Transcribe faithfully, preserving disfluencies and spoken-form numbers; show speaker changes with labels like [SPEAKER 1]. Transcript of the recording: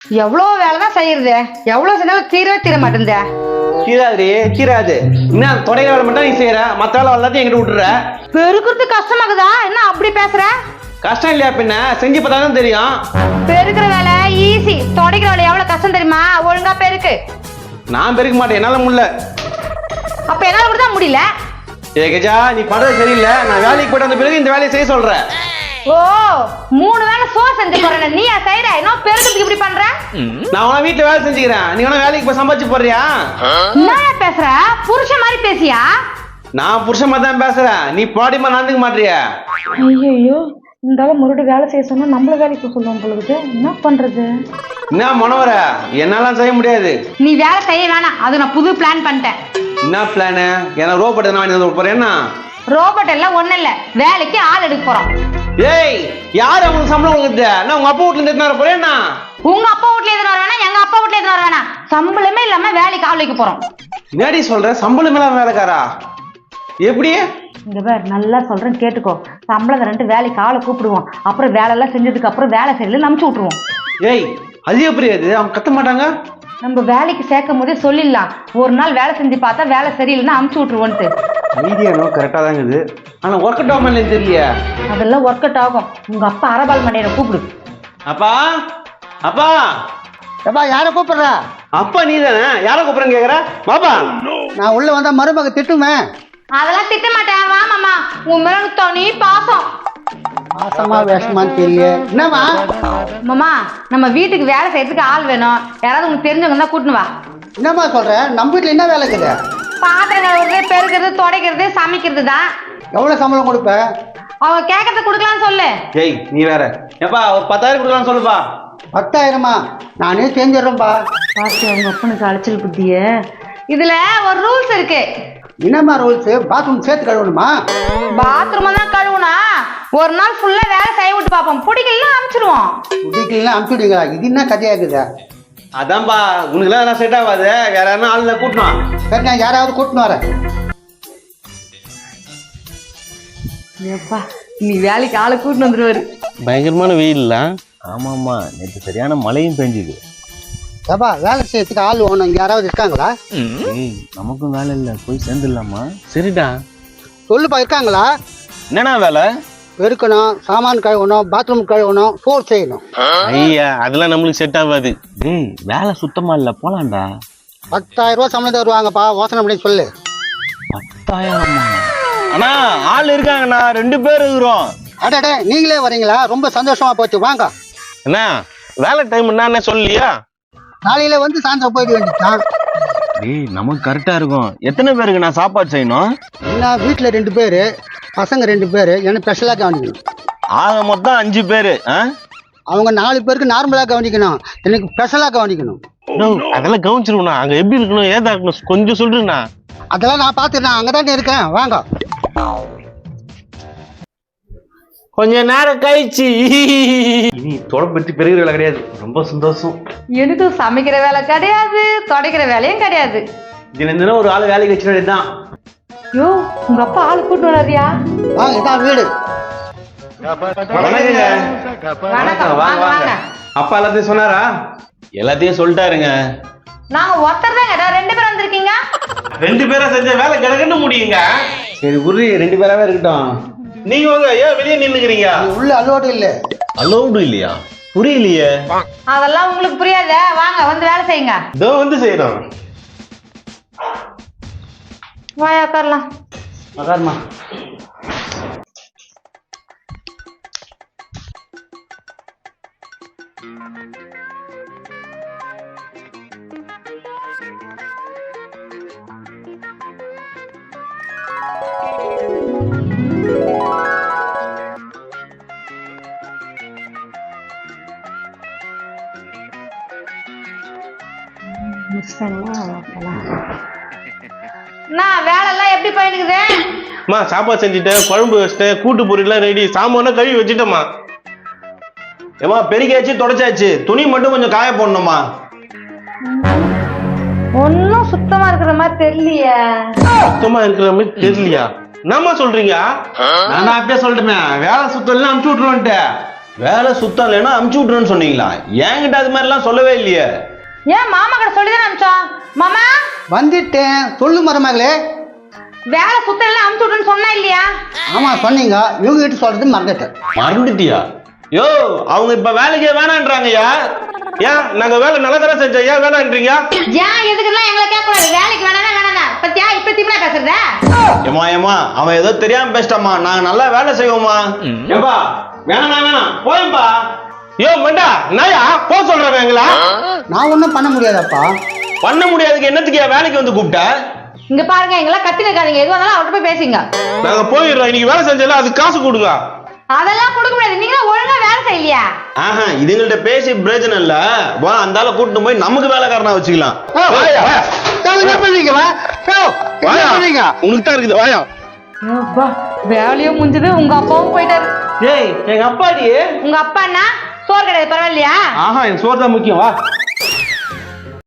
[SPEAKER 1] எவ்வளவு வேலைதான் செய்யறது, எவ்வளவு செஞ்சாலும் தீரவே தீர மாட்டேங்குதே.
[SPEAKER 2] தீராது தீராது. என்ன தொடைக்கிற வேலை மட்டும் நீ செய்யற, மத்த வேலை எல்லாத்தையும் எங்கிட்ட விட்டுற.
[SPEAKER 1] பெருக்குறது கஷ்டமாக்குதா என்ன அப்படி பேசுற?
[SPEAKER 2] கஷ்டம் இல்லையா பின்ன, செஞ்சு பார்த்தாதான் தெரியும்.
[SPEAKER 1] பெருக்கிற வேலை ஈஸி, தொடைக்கிற வேலை எவ்வளவு கஷ்டம் தெரியுமா? ஒழுங்கா பெருக்கு.
[SPEAKER 2] நான் பெருக்க மாட்டேன், என்னால முடியல.
[SPEAKER 1] அப்ப என்னால கூட தான் முடியல.
[SPEAKER 2] ஏ கஜா, நீ பண்றது சரியில்லை. நான் வேலைக்கு போயிட்டு வந்த பிறகு இந்த வேலையை செய்ய சொல்றேன்.
[SPEAKER 1] ஓ, மூணு வேலை சோ செஞ்சு போறேன், நீ செய்யற என்ன பெருக்கிறதுக்கு இப்படி பண்ற?
[SPEAKER 2] நான் உன வீட்டுல வேலை செஞ்சுக்கிறேன், நீ வேணா வேலைக்கு போய் சம்பாதிச்சு போறியா?
[SPEAKER 1] என்ன பேசுற? புருஷன் மாதிரி பேசியா?
[SPEAKER 2] நான் புருஷன் மாதிரி தான் பேசுறேன், நீ பாடிமா நடந்துக்க மாட்டியா?
[SPEAKER 1] ஐயோ, இந்த முருடு வேலை செய்ய சொன்னா நம்மள வேலைக்கு சொல்லுவோம் பொழுது என்ன பண்றது?
[SPEAKER 2] என்ன மனோவர, என்னால செய்ய முடியாது.
[SPEAKER 1] நீ வேலை செய்ய வேணாம், அது நான் புது பிளான் பண்ணிட்டேன். என்ன
[SPEAKER 2] பிளானு? ஏன்னா ரோபோட் எதனா வாங்கி வந்து போறேன்னா?
[SPEAKER 1] ரோபோட் எல்லாம் ஒண்ணு இல்ல, வேலைக்கு ஆள் எடுக்க போறோம்.
[SPEAKER 2] ஏய், யாரு உங்களுக்கு சம்பளம் கொடுக்குது? நான் உங்க அப்பா வீட்டுல இருந்து போறேன்னா?
[SPEAKER 1] உங்க அப்பா வீட்டுல எதுனா வர வேணாம், எங்க அப்பா வீட்டுல எதுனா வர வேணாம். சம்பளமே இல்லாம வேலைக்கு ஆள் வைக்க போறோம்.
[SPEAKER 2] என்னடி சொல்ற? சம்பளம் இல்லாம வேலைக்காரா? எப்படி?
[SPEAKER 1] இங்க பேர் நல்லா சொல்றேன் கேட்டுக்கோ. சம்பளம் ரெண்டு வேலைக்கு ஆளை கூப்பிடுவோம், அப்புறம் வேலை எல்லாம் செஞ்சதுக்கு அப்புறம் வேலை செய்யல அனுப்பிச்சு விட்டுருவோம்.
[SPEAKER 2] ஏய், அது எப்படி? அது அவங்க கத்த மாட்டாங்க.
[SPEAKER 1] நம்ம வேலைக்கு சேர்க்கும் போதே சொல்லிடலாம், ஒரு நாள் வேலை செஞ்சு பார்த்தா வேலை சரியில்லைன்னா அனுப்பிச்சு விட்டுருவோன்ட்டு.
[SPEAKER 2] ஐடியா கரெக்டா தான் இருக்குது, ஆனா ஒர்க் அவுட் ஆகும் தெரியலையா?
[SPEAKER 1] அதெல்லாம் ஒர்க் அவுட் ஆகும். உங்க அப்பா அரபால் மண்டையை கூப்பிடு.
[SPEAKER 2] அப்பா, அப்பா,
[SPEAKER 3] அப்பா யார கூப்பிடுற?
[SPEAKER 2] அப்பா நீ தானே? யார கூப்பிடுறேன்னு கேக்குற? பாப்பா,
[SPEAKER 3] நான் உள்ள வந்தா மருமக திட்டுமே.
[SPEAKER 1] அதெல்லாம் திட்ட மாட்டேன், வா மாமா, உன் மேல தனி பாசம்.
[SPEAKER 3] பாசமா வேஷமான்னு தெரியல. என்னமா
[SPEAKER 1] மாமா, நம்ம வீட்டுக்கு வேலை செய்யறதுக்கு ஆள் வேணும், யாராவது உங்களுக்கு தெரிஞ்சவங்க தான் கூட்டினு வா.
[SPEAKER 3] என்னம்மா சொல்ற? நம்ம வீட்டுல என்ன வேலை இருக்குது?
[SPEAKER 1] பாத்திரம் கழுவுறது, பெருக்கிறது, துடைக்கிறது, சமைக்கிறது தான்.
[SPEAKER 3] எவ்வளவு சம்பளம் கொடுப்ப?
[SPEAKER 1] அவங்க கேட்கறத கொடுக்கலாம்னு சொல்லு.
[SPEAKER 2] ஏய் நீ வேற. எப்பா ஒரு பத்தாயிரம் கொடுக்கலாம்னு சொல்லுப்பா.
[SPEAKER 3] பத்தாயிரமா? நானே செஞ்சிடறேன்பா.
[SPEAKER 1] பாத்து அவங்க அப்பனுக்கு அழைச்சல் புத்திய. இதுல ஒரு ரூல்ஸ் இருக்கு.
[SPEAKER 3] என்னம்மா ரூல்ஸ்? பாத்ரூம் சேர்த்து கழுவணுமா?
[SPEAKER 1] பாத்ரூம் தான் கழுவுனா ஒரு நாள் ஃபுல்லா வேலை செய்ய விட்டு பாப்போம், பிடிக்கலாம் அனுப்பிச்சிடுவோம்.
[SPEAKER 3] பிடிக்கலாம் அனுப்பிச்சுடுங்களா? இது என்ன கதையா இருக்குது?
[SPEAKER 2] அதான்பா, உனக்கு எல்லாம் செட் ஆகாது, வேற யாரும் ஆளுல கூட்டணும்.
[SPEAKER 3] சரி, நான் யாராவது கூட்டின்னு வரேன்.
[SPEAKER 1] ஏப்பா, நீ வேலைக்கு ஆளை கூட்டின்னு வந்துருவாரு.
[SPEAKER 2] பயங்கரமான வெயில்ல.
[SPEAKER 4] ஆமாம்மா, நேற்று சரியான மழையும் பெஞ்சுது.
[SPEAKER 3] ஏப்பா, வேலை செய்யறதுக்கு ஆள் வேணும், இங்க யாராவது இருக்காங்களா?
[SPEAKER 4] ஏய், நமக்கும் வேலை இல்லை, போய் சேர்ந்துடலாமா?
[SPEAKER 2] சரிடா,
[SPEAKER 3] சொல்லுப்பா, இருக்காங்களா?
[SPEAKER 4] என்னண்ணா வேலை?
[SPEAKER 3] பெருக்கணும், சாமான் கழுவணும், பாத்ரூம் கழுவணும், சோறு செய்யணும்.
[SPEAKER 4] ஐயா, அதெல்லாம் நம்மளுக்கு செட் ஆகாது. ஏய், வேலை சுத்தமா இல்ல, போலாம்டா.
[SPEAKER 3] பத்தாயிரம் ரூபாய் சம்பளம் தருவாங்கப்பா, யோசனை பண்ணி சொல்லு.
[SPEAKER 4] பத்தாயிரமா? அண்ணா ஆள் இருக்காங்கண்ணா, ரெண்டு பேர் இருக்கிறோம்.
[SPEAKER 3] அடடே, நீங்களே வரீங்களா? ரொம்ப சந்தோஷமா போச்சு, வாங்க.
[SPEAKER 4] என்ன வேலை டைம் என்ன சொல்லலையா?
[SPEAKER 3] நாளையில வந்து சாயந்தரம் போயிட வேண்டியதான்.
[SPEAKER 4] ஏய், நமக்கு கரெக்டா இருக்கும். எத்தனை பேருக்கு நான் சாப்பாடு செய்யணும்?
[SPEAKER 3] என்ன, வீட்டுல ரெண்டு பேரு, பசங்க ரெண்டு பேரு, எனக்கு ஸ்பெஷலா கவனிக்கணும்.
[SPEAKER 4] ஆக மொத்தம் அஞ்சு பேரு.
[SPEAKER 3] அவங்க நாலு பேருக்கு நார்மலா கவனிக்கணும், எனக்கு ஸ்பெஷலா கவனிக்கணும்.
[SPEAKER 4] அதெல்லாம் கவனிச்சிருக்கணும். அங்க எப்படி இருக்கணும், ஏதா இருக்கணும், கொஞ்சம் சொல்றேண்ணா.
[SPEAKER 3] அதெல்லாம் நான் பாத்துறேன், அங்கதானே இருக்கேன், வாங்க.
[SPEAKER 2] கொஞ்ச நேரம் கழிச்சு இனி தொடர்பு பற்றி பெருகிற வேலை கிடையாது. ரொம்ப சந்தோஷம்.
[SPEAKER 1] எனக்கு சமைக்கிற வேலை கிடையாது, துடைக்கிற வேலையும் கிடையாது.
[SPEAKER 2] தினம் தினம் ஒரு ஆள் வேலைக்கு வச்சிட வேண்டியதுதான்.
[SPEAKER 1] யோ, உங்க அப்பா ஆள் கூட்டு வராதியா?
[SPEAKER 3] வாங்க, இதான் வீடு.
[SPEAKER 2] வணக்கங்க.
[SPEAKER 1] வணக்கம், வாங்க வாங்க.
[SPEAKER 2] அப்பா எல்லாத்தையும் சொன்னாரா?
[SPEAKER 4] எல்லாத்தையும் சொல்லிட்டாருங்க.
[SPEAKER 1] நாங்க ஒருத்தர் தான் கேட்டா, ரெண்டு பேர் வந்திருக்கீங்க.
[SPEAKER 2] ரெண்டு பேரா செஞ்ச வேலை கிடக்குன்னு முடியுங்க. சரி உருளி, ரெண்டு பேராவே இருக்கட்டும். நீங்க வாங்க, ஏன் வெளியே நின்னுக்கிறீங்க?
[SPEAKER 3] உள்ள அலோடு இல்ல.
[SPEAKER 4] அலௌடு இல்லையா? புரியலையே.
[SPEAKER 1] அதெல்லாம் உங்களுக்கு புரியாத, வாங்க வந்து வேலை செய்யுங்க.
[SPEAKER 2] இதோ வந்து செய்யணும்.
[SPEAKER 1] வாயா உட்காரலாம்.
[SPEAKER 2] உட்காருமா.
[SPEAKER 1] வேலை எல்லாம் எப்படி போயிருக்குது?
[SPEAKER 2] அம்மா, சாப்பாடு செஞ்சுட்டேன், குழம்பு வச்சுட்டேன், கூட்டு பொரியெல்லாம் ரெடி, சாமான் கழுவி வச்சுட்டேம்மா. ஏமா, பெருக்காச்சு தொடச்சாச்சு, துணி மட்டும் கொஞ்சம் காய போடணுமா?
[SPEAKER 1] ஒன்னும் சுத்தமா இருக்கிற மாதிரி தெரியலையே.
[SPEAKER 2] சுத்தமா இருக்கிற மாதிரி தெரியலையா? என்னம்மா சொல்றீங்க? நான் அப்படியே சொல்லிட்டேன், வேலை சுத்தம் எல்லாம் அனுப்பிச்சு விட்டுருவேன்ட்டு. வேலை சுத்தம் இல்லைன்னா அமுச்சு விட்டுருன்னு சொன்னீங்களா? என்கிட்ட அது மாதிரிலாம் சொல்லவே இல்லையே.
[SPEAKER 1] ஏன் மாமா கிட்ட சொல்லிதானே அனுப்பிச்சோம். மாமா
[SPEAKER 3] வந்துட்டேன், சொல்லு மருமகளே.
[SPEAKER 1] வேலை சுத்தம் இல்ல அனுப்பிச்சு விட்டுன்னு சொன்னா இல்லையா?
[SPEAKER 3] ஆமா சொன்னீங்க, இவங்க கிட்ட சொல்றது மறந்துட்டேன்.
[SPEAKER 2] மறந்துட்டியா? யோ, அவங்க இப்ப வேலைக்கே வேணான்றாங்கய்யா. ஏன் நாங்க வேலை நல்லதா செஞ்சோம், ஏன் வேணான்றீங்க?
[SPEAKER 1] ஏன் எதுக்குலாம் எங்களை கேட்க கூடாது. வேலைக்கு வேணானா வேணானா பத்தியா இப்ப திமிரா பேசுறத?
[SPEAKER 2] ஏமா ஏமா அவன் ஏதோ தெரியாம பேசிட்டாமா, நாங்க நல்லா வேலை செய்வோமா. ஏம்பா வேணா வேணாம் போயம்பா. யோ மண்டா நாயா போ சொல்றேன். எங்களா
[SPEAKER 3] நான் ஒன்றும் பண்ண முடியாதப்பா.
[SPEAKER 2] பண்ண முடியாதுக்கு என்னத்துக்கு வேலைக்கு வந்து கூப்பிட்ட?
[SPEAKER 1] இங்க பாருங்க, எங்கெல்லாம் கத்தி நிற்காதீங்க. எதுவாக இருந்தாலும் அவர்கிட்ட போய் பேசுங்க.
[SPEAKER 2] நாங்க போயிடுறோம். இன்னைக்கு வேலை செஞ்சல அதுக்கு காசு கொடுங்க.
[SPEAKER 1] அதெல்லாம் கொடுக்க முடியாது. நீங்க ஒழுங்கா வேலை செய்யலையா?
[SPEAKER 2] ஆஹா, இதுங்கள்ட்ட பேசி பிரயோஜனம் இல்ல. வா அந்த ஆளை கூட்டிட்டு போய் நமக்கு வேலைக்காரனா வச்சுக்கலாம்.
[SPEAKER 3] என்ன பண்றீங்க? வா. என்ன பண்றீங்க?
[SPEAKER 2] உனக்கு தான் இருக்குது. வாயா.
[SPEAKER 1] வேலையும் முடிஞ்சது. உங்க அப்பாவும் போயிட்டாரு.
[SPEAKER 2] ஏய் எங்க அப்பாடி.
[SPEAKER 1] உங்க அப்பா என்ன சோறு கிடையாது பரவாயில்லையா?
[SPEAKER 2] ஆஹா, எனக்கு சோறு தான் முக்கியம். வா.